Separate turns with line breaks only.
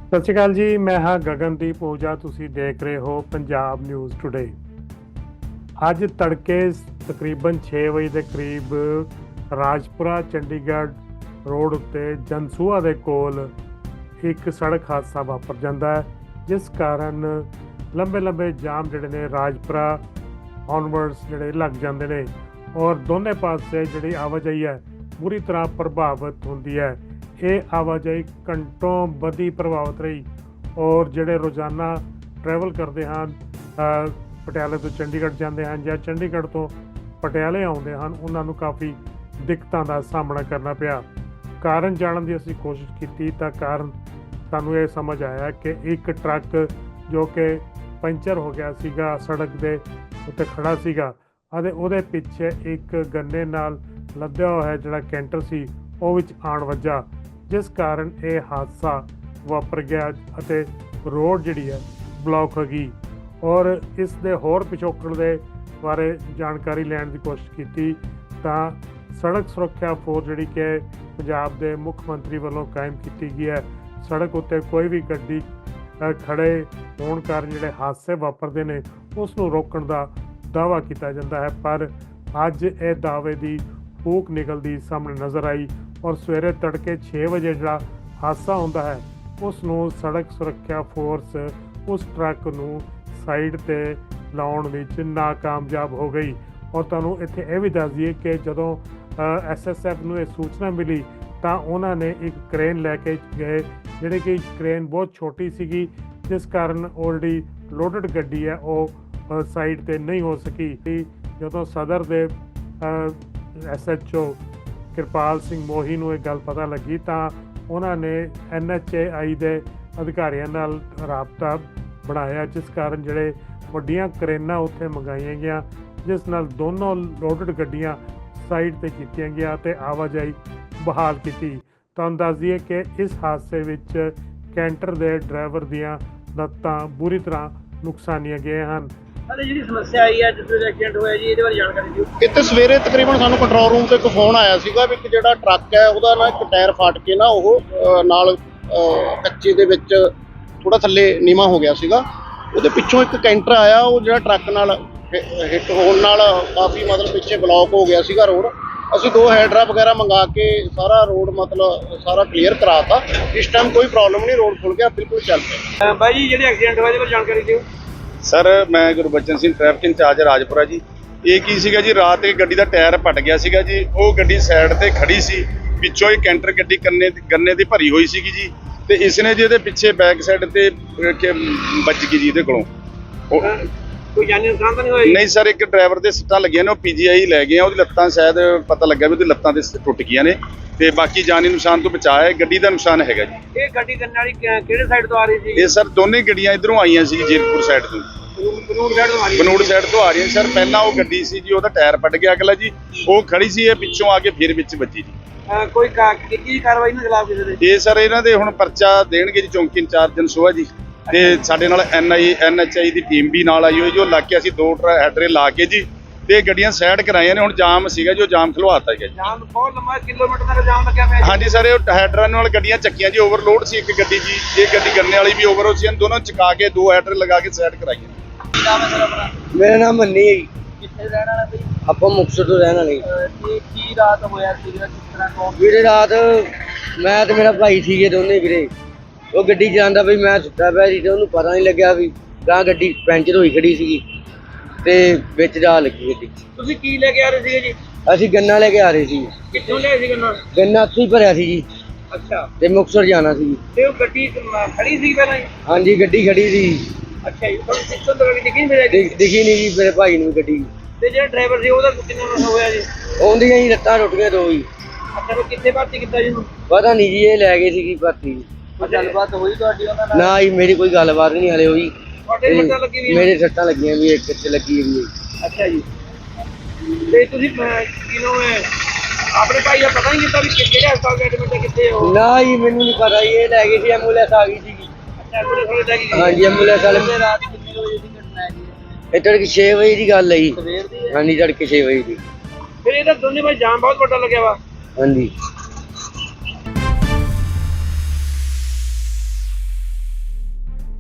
ਸਤਿ ਸ਼੍ਰੀ ਅਕਾਲ ਜੀ। ਮੈਂ ਹਾਂ ਗਗਨਦੀਪ ਓਜਾ। ਤੁਸੀਂ ਦੇਖ ਰਹੇ ਹੋ ਪੰਜਾਬ ਨਿਊਜ਼ ਟੁਡੇ। ਅੱਜ ਤੜਕੇ ਤਕਰੀਬਨ 6 ਵਜੇ ਦੇ ਕਰੀਬ ਰਾਜਪੁਰਾ ਚੰਡੀਗੜ੍ਹ ਰੋਡ ਉੱਤੇ ਜਨਸੂਆ ਦੇ ਕੋਲ ਇੱਕ ਸੜਕ ਹਾਦਸਾ ਵਾਪਰ ਜਾਂਦਾ ਹੈ, ਜਿਸ ਕਾਰਨ ਲੰਬੇ ਜਾਮ ਜਿਹੜੇ ਨੇ ਰਾਜਪੁਰਾ ਔਨਵਰਡਸ ਜਿਹੜੇ ਲੱਗ ਜਾਂਦੇ ਨੇ ਔਰ ਦੋਨੇ ਪਾਸੇ ਜਿਹੜੀ ਆਵਾਜਾਈ ਹੈ ਬੁਰੀ ਤਰ੍ਹਾਂ ਪ੍ਰਭਾਵਿਤ ਹੁੰਦੀ ਹੈ। ਇਹ ਆਵਾਜਾਈ ਘੰਟੋਂ ਵਧੀ ਪ੍ਰਭਾਵਿਤ ਰਹੀ ਔਰ ਜਿਹੜੇ ਰੋਜ਼ਾਨਾ ਟਰੈਵਲ ਕਰਦੇ ਹਨ, ਪਟਿਆਲੇ ਤੋਂ ਚੰਡੀਗੜ੍ਹ ਜਾਂਦੇ ਹਨ ਜਾਂ ਚੰਡੀਗੜ੍ਹ ਤੋਂ ਪਟਿਆਲੇ ਆਉਂਦੇ ਹਨ, ਉਹਨਾਂ ਨੂੰ ਕਾਫੀ ਦਿੱਕਤਾਂ ਦਾ ਸਾਹਮਣਾ ਕਰਨਾ ਪਿਆ। ਕਾਰਨ ਜਾਣਨ ਦੀ ਅਸੀਂ ਕੋਸ਼ਿਸ਼ ਕੀਤੀ ਤਾਂ ਕਾਰਨ ਸਾਨੂੰ ਇਹ ਸਮਝ ਆਇਆ ਕਿ ਇੱਕ ਟਰੱਕ ਜੋ ਕਿ ਪੰਚਰ ਹੋ ਗਿਆ ਸੀਗਾ, ਸੜਕ ਦੇ ਉੱਤੇ ਖੜਾ ਸੀਗਾ ਅਤੇ ਉਹਦੇ ਪਿੱਛੇ ਇੱਕ ਗੰਨੇ ਨਾਲ ਲੱਦਿਆ ਹੋਇਆ ਜਿਹੜਾ ਕੈਂਟਰ ਸੀ ਉਹ ਵਿੱਚ ਆਣ ਵੱਜਾ, ਜਿਸ ਕਾਰਨ ਇਹ ਹਾਦਸਾ ਵਾਪਰ ਗਿਆ ਅਤੇ ਰੋਡ ਜਿਹੜੀ ਹੈ ਬਲੌਕ ਹੋ ਗਈ। ਔਰ ਇਸ ਦੇ ਹੋਰ ਪਿਛੋਕੜ ਦੇ ਬਾਰੇ ਜਾਣਕਾਰੀ ਲੈਣ ਦੀ ਕੋਸ਼ਿਸ਼ ਕੀਤੀ ਤਾਂ ਸੜਕ ਸੁਰੱਖਿਆ ਫੋਰਸ ਜਿਹੜੀ ਕਿ ਪੰਜਾਬ ਦੇ ਮੁੱਖ ਮੰਤਰੀ ਵੱਲੋਂ ਕਾਇਮ ਕੀਤੀ ਗਈ ਹੈ, ਸੜਕ ਉੱਤੇ ਕੋਈ ਵੀ ਗੱਡੀ ਖੜੇ ਹੋਣ ਕਾਰਨ ਜਿਹੜੇ ਹਾਦਸੇ ਵਾਪਰਦੇ ਨੇ ਉਸ ਨੂੰ ਰੋਕਣ ਦਾ ਦਾਅਵਾ ਕੀਤਾ ਜਾਂਦਾ ਹੈ। ਪਰ ਅੱਜ ਇਹ ਦਾਅਵੇ ਦੀ ਫੂਕ ਨਿਕਲਦੀ ਸਾਹਮਣੇ ਨਜ਼ਰ ਆਈ ਔਰ ਸਵੇਰੇ ਤੜਕੇ 6 ਵਜੇ ਜਿਹੜਾ ਹਾਦਸਾ ਹੁੰਦਾ ਹੈ ਉਸ ਨੂੰ ਸੜਕ ਸੁਰੱਖਿਆ ਫੋਰਸ ਉਸ ਟਰੱਕ ਨੂੰ ਸਾਈਡ ਤੇ ਲਾਉਣ ਵਿੱਚ ਨਾਕਾਮਯਾਬ ਹੋ ਗਈ। ਔਰ ਤੁਹਾਨੂੰ ਇੱਥੇ ਇਹ ਵੀ ਦੱਸ ਦਈਏ ਕਿ ਜਦੋਂ SSF ਨੂੰ ਇਹ ਸੂਚਨਾ ਮਿਲੀ ਤਾਂ ਉਹਨਾਂ ਨੇ ਇੱਕ ਕ੍ਰੇਨ ਲੈ ਕੇ ਗਏ, ਜਿਹੜੀ ਕਿ ਕ੍ਰੇਨ ਬਹੁਤ ਛੋਟੀ ਸੀਗੀ, ਜਿਸ ਕਾਰਨ ਆਲਰੇਡੀ ਲੋਡਡ ਗੱਡੀ ਹੈ ਉਹ ਸਾਈਡ ਤੇ ਨਹੀਂ ਹੋ ਸਕੀ। ਜਦੋਂ ਸਦਰ ਦੇ SHO ਕਿਰਪਾਲ ਸਿੰਘ ਮੋਹੀ ਨੂੰ ਇਹ ਗੱਲ ਪਤਾ ਲੱਗੀ ਤਾਂ ਉਹਨਾਂ ਨੇ NHAI ਦੇ ਅਧਿਕਾਰੀਆਂ ਨਾਲ ਰਾਬਤਾ ਬਣਾਇਆ, ਜਿਸ ਕਾਰਨ ਜਿਹੜੇ ਵੱਡੀਆਂ ਕਰੇਨਾਂ ਉੱਥੇ ਮੰਗਾਈਆਂ ਗਈਆਂ, ਜਿਸ ਨਾਲ ਦੋਨੋਂ ਲੋਡਡ ਗੱਡੀਆਂ ਸਾਈਡ ਤੇ ਕੀਤੀਆਂ ਗਿਆ ਤੇ ਆਵਾਜਾਈ ਬਹਾਲ ਕੀਤੀ। ਤੁਹਾਨੂੰ ਦੱਸ ਦਈਏ ਕਿ ਇਸ ਹਾਦਸੇ ਵਿੱਚ ਕੈਂਟਰ ਦੇ ਡਰਾਈਵਰ ਦੀਆਂ ਲੱਤਾਂ ਬੁਰੀ ਤਰ੍ਹਾਂ ਨੁਕਸਾਨੀਆਂ ਗਈਆਂ ਹਨ।
ਜਿਹੜੀ ਸਮੱਸਿਆ ਆਈ ਹੈ ਜਿਸ ਐਕਸੀਡੈਂਟ ਹੋਇਆ ਜੀ, ਇਹਦੇ ਬਾਰੇ ਜਾਣਕਾਰੀ ਦਿਓ।
ਇੱਥੇ ਸਵੇਰੇ ਤਕਰੀਬਨ ਸਾਨੂੰ ਕੰਟਰੋਲ ਰੂਮ ਤੋਂ ਇੱਕ ਫੋਨ ਆਇਆ ਸੀਗਾ ਵੀ ਇੱਕ ਜਿਹੜਾ ਟਰੱਕ ਹੈ ਉਹਦਾ ਨਾ ਇੱਕ ਟਾਇਰ ਫਾਟ ਕੇ ਨਾ ਉਹ ਨਾਲ ਕੱਚੇ ਦੇ ਵਿੱਚ ਥੋੜਾ ਥੱਲੇ ਨੀਵਾਂ ਹੋ ਗਿਆ ਸੀਗਾ। ਉਹਦੇ ਪਿੱਛੋਂ ਇੱਕ ਕੈਂਟਰ ਆਇਆ, ਉਹ ਜਿਹੜਾ ਟਰੱਕ ਨਾਲ ਹਿੱਟ ਹੋਣ ਨਾਲ ਕਾਫੀ ਮਤਲਬ ਪਿੱਛੇ ਬਲੌਕ ਹੋ ਗਿਆ ਸੀਗਾ ਰੋਡ। ਅਸੀਂ 2 ਹੈਡਰਾ ਵਗੈਰਾ ਮੰਗਾ ਕੇ ਸਾਰਾ ਰੋਡ ਮਤਲਬ ਸਾਰਾ ਕਲੀਅਰ ਕਰਾਤਾ। ਇਸ ਟਾਈਮ ਕੋਈ ਪ੍ਰੋਬਲਮ ਨਹੀਂ, ਰੋਡ ਖੁੱਲ ਗਿਆ, ਬਿਲਕੁਲ ਚੱਲ ਪਿਆ।
ਬਾਈ ਜੀ ਜਿਹੜੇ ਐਕਸੀਡੈਂਟ ਹੋਇਆ ਇਹਦੇ ਬਾਰੇ ਜਾਣਕਾਰੀ ਦਿਓ।
ਸਰ ਮੈਂ ਗੁਰਬਚਨ ਸਿੰਘ, ਟ੍ਰੈਫਿਕ ਇੰਚਾਰਜ ਰਾਜਪੁਰਾ ਜੀ। ਇਹ ਕੀ ਸੀਗਾ ਜੀ, ਰਾਤ ਇੱਕ ਗੱਡੀ ਦਾ ਟਾਇਰ ਪਟ ਗਿਆ ਸੀਗਾ ਜੀ। ਉਹ ਗੱਡੀ ਸਾਈਡ ਤੇ ਖੜੀ ਸੀ, ਪਿੱਛੋਂ ਇਹ ਕੈਂਟਰ ਗੱਡੀ ਗੰਨੇ ਦੀ ਭਰੀ ਹੋਈ ਸੀਗੀ ਜੀ, ਤੇ ਇਸ ਨੇ ਜੀ ਇਹਦੇ ਪਿੱਛੇ ਬੈਕ ਸਾਈਡ ਤੇ ਵੱਜ ਗਈ ਜੀ ਇਹਦੇ ਕੋਲੋਂ।
ਕੋਈ ਜਾਨੀ ਨੁਕਸਾਨ ਤਾਂ ਨਹੀਂ ਹੋਇਆ?
ਨਹੀਂ ਸਰ, ਇੱਕ ਡਰਾਈਵਰ ਦੇ ਸੱਟਾਂ ਲੱਗੀਆਂ ਨੇ, ਉਹ PGI ਲੈ ਗਏ ਆ। ਉਹਦੀ ਲੱਤਾਂ ਸ਼ਾਇਦ ਪਤਾ ਲੱਗਾ ਵੀ ਉਹਦੀ ਲੱਤਾਂ ਤੇ ਟੁੱਟ ਗਈਆਂ ਨੇ, ਤੇ ਬਾਕੀ ਜਾਨੀ ਨੁਕਸਾਨ ਤੋਂ ਬਚਾਅ ਹੈ। ਗੱਡੀ ਦਾ ਨੁਕਸਾਨ ਹੈਗਾ ਜੀ।
ਇਹ ਗੱਡੀ ਗੰਨੇ ਵਾਲੀ ਕਿਹੜੇ ਸਾਈਡ ਤੋਂ ਆ ਰਹੀ ਸੀ?
ਇਹ ਸਰ ਦੋਨੇ ਗੱਡੀਆਂ ਇਧਰੋਂ ਆਈਆਂ ਸੀ, ਜੀਰਕਪੁਰ ਸਾਈਡ ਤੋਂ,
ਬਨੂੜ ਸਾਈਡ ਤੋਂ ਆ ਰਹੀ?
ਬਨੂੜ ਸਾਈਡ ਤੋਂ ਆ ਰਹੀਆਂ ਸਰ। ਪਹਿਲਾਂ ਉਹ ਗੱਡੀ ਸੀ ਜੀ, ਉਹਦਾ ਟਾਇਰ ਪਟ ਗਿਆ ਅਗਲਾ ਜੀ, ਉਹ ਖੜੀ ਸੀ, ਇਹ ਪਿੱਛੋਂ ਆ ਕੇ ਫਿਰ ਵਿੱਚ ਵੱਜੀ ਜੀ।
ਕੋਈ ਕੀ ਕਾਰਵਾਈ ਨਹੀਂ ਖਿਲਾਫ ਕਿਸੇ ਦੇ?
ਇਹ ਸਰ ਇਹਨਾਂ ਦੇ ਹੁਣ ਪਰਚਾ ਦੇਣਗੇ ਜੀ ਚੌਂਕੀ ਇੰਚਾਰਜ ਜਨਸੂਆ ਜੀ, ਤੇ ਸਾਡੇ ਨਾਲ NHAI ਦੀ ਟੀਮ ਵੀ ਨਾਲ ਆਈ ਹੋਈ ਜੋ ਲਾ ਕੇ ਅਸੀਂ 2 ਹੈਡਰੇ ਲਾ ਕੇ ਜੀ ਤੇ ਗੱਡੀਆਂ ਸਾਈਡ ਕਰਾਈਆਂ ਨੇ। ਹੁਣ ਜਾਮ ਸੀਗਾ ਜੋ ਜਾਮ ਖਲਵਾਤਾ ਗਿਆ ਜੀ।
ਜਾਮ ਬਹੁਤ ਲੰਮਾ ਕਿਲੋਮੀਟਰ ਤੱਕ ਜਾਮ ਲੱਗਿਆ ਪਿਆ।
ਹਾਂਜੀ ਸਰ, ਇਹ ਹੈਡਰਾਂ ਨਾਲ ਗੱਡੀਆਂ ਚੱਕੀਆਂ ਜੀ, ਓਵਰਲੋਡ ਸੀ ਇੱਕ ਗੱਡੀ ਜੀ, ਇਹ ਗੱਡੀ ਗੰਨੇ ਵਾਲੀ ਵੀ ਓਵਰ ਸੀ, ਦੋਨੋਂ ਚਕਾ ਕੇ 2 ਹੈਡਰ ਲਗਾ ਕੇ ਸਾਈਡ ਕਰਾਈਆਂ।
ਮੇਰਾ ਨਾਮ ਮੰਨੀ ਹੈ ਜੀ।
ਕਿੱਥੇ ਰਹਿਣ ਵਾਲਾ ਬਈ?
ਆਪਾਂ ਮੁਕਤਸਰ ਤੋਂ ਰਹਿਣ ਵਾਲੇ।
ਤੇ ਕੀ ਰਾਤ ਹੋਇਆ ਸੀ, ਕਿਸ ਤਰ੍ਹਾਂ ਕੌਣ?
ਵੀਰੇ ਰਾਤ ਮੈਂ ਤੇ ਮੇਰਾ ਭਾਈ ਸੀਗੇ ਦੋਨੇ ਵੀਰੇ। ਉਹ ਗੱਡੀ ਚਲਾਉਂਦਾ ਬਈ, ਮੈਂ ਸੁੱਤਾ ਪਿਆ ਸੀ ਤੇ ਉਹਨੂੰ ਪਤਾ ਨਹੀਂ ਲੱਗਿਆ ਵੀ ਗਾਂ ਗੱਡੀ ਪੈਂਚਰ ਹੋਈ ਖੜੀ ਸੀਗੀ ਤੇ ਵਿੱਚ ਜਾ ਲੱਗੀ ਗੱਡੀ।
ਤੁਸੀਂ ਕੀ ਲੈ ਕੇ ਆ ਰਹੇ ਸੀਗੇ ਜੀ?
ਅਸੀਂ ਗੰਨਾ ਲੈ ਕੇ ਆ ਰਹੇ ਸੀ।
ਕਿੱਥੋਂ ਲਿਆਏ ਸੀ ਗੰਨਾ?
ਗੰਨਾ ਉੱਥੇ ਹੀ ਭਰਿਆ ਸੀ ਜੀ,
ਅੱਛਾ।
ਤੇ ਮੁਕਤਸਰ ਜਾਣਾ ਸੀ।
ਤੇ ਉਹ ਗੱਡੀ ਖੜੀ ਸੀ ਪਹਿਲਾਂ ਹੀ?
ਹਾਂਜੀ ਗੱਡੀ ਖੜੀ ਸੀ।
ਅੱਛਾ ਜੀ। ਤੁਹਾਨੂੰ ਪਿੱਛੋਂ ਤੋਂ ਗੱਡੀ ਦਿਖੀ ਨਹੀਂ ਮੇਰਾ?
ਦਿਖੀ ਨਹੀਂ ਜੀ ਮੇਰੇ ਭਾਈ ਨੂੰ ਗੱਡੀ।
ਤੇ ਜਿਹੜਾ ਡਰਾਈਵਰ ਸੀ ਉਹਦਾ ਕਿੰਨਾ ਨੁਕਸਾਨ ਹੋਇਆ ਜੀ?
ਆਉਂਦੀਆਂ ਹੀ ਲੱਤਾਂ ਟੁੱਟ ਗਈਆਂ 2 ਹੀ।
ਅੱਛਾ, ਉਹ ਕਿੱਥੇ ਭਰਤੀ ਕੀਤਾ ਜੀ ਉਹਨੂੰ?
ਪਤਾ ਨਹੀਂ ਜੀ, ਇਹ ਲੈ ਗਏ ਸੀਗੀ ਭਰਤੀ।
ਗੱਲਬਾਤ ਹੋਈ ਤੁਹਾਡੀ ਉਹਨਾਂ ਨਾਲ?
ਨਾ ਜੀ ਮੇਰੀ ਕੋਈ ਗੱਲਬਾਤ ਨਹੀਂ ਹਲੇ ਹੋਈ।
ਤੁਹਾਡੇ ਸੱਟਾਂ ਲੱਗੀ ਹੋਈਆਂ?
ਮੇਰੇ ਸੱਟਾਂ ਲੱਗੀਆਂ ਵੀ, ਇੱਕ ਕਿੱਥੇ ਲੱਗੀ ਵੀ।
ਅੱਛਾ ਜੀ। ਤੇ ਤੁਸੀਂ ਕਿਨੋਂ ਆਪਣੇ ਭਾਈ ਦਾ ਪਤਾ ਨਹੀਂ ਕੀਤਾ ਵੀ ਕਿਹੜੇ ਹਸਪਤਾਲ ਐਡਮਿਟ ਹੈ, ਕਿੱਥੇ ਹੋ?
ਨਾ ਜੀ ਮੈਨੂੰ ਨਹੀਂ ਪਤਾ ਜੀ, ਇਹ ਲੈ ਗਏ ਸੀ, ਐਂਬੂਲੈਂਸ ਆ ਗਈ ਸੀਗੀ।
ਅੱਛਾ, ਐਂਬੂਲੈਂਸ ਵਾਲੇ ਲੈ ਗਏ?
ਹਾਂਜੀ ਐਂਬੂਲੈਂਸ ਵਾਲੇ।
ਰਾਤ ਕਿੰਨੇ ਵਜੇ ਦੀ ਘਟਨਾ ਹੈ ਜੀ?
ਇਹ ਤੜਕੇ 6 ਵਜੇ ਦੀ ਗੱਲ ਹੈ ਜੀ।
ਸਵੇਰ ਦੀ?
ਹਾਂਜੀ ਤੜਕੇ 6 ਵਜੇ ਦੀ।
ਫਿਰ ਇਹਦਾ ਦੋਨੇ ਭਾਈ ਜਾਮ ਬਹੁਤ ਵੱਡਾ ਲੱਗਿਆ ਵਾ।
ਹਾਂਜੀ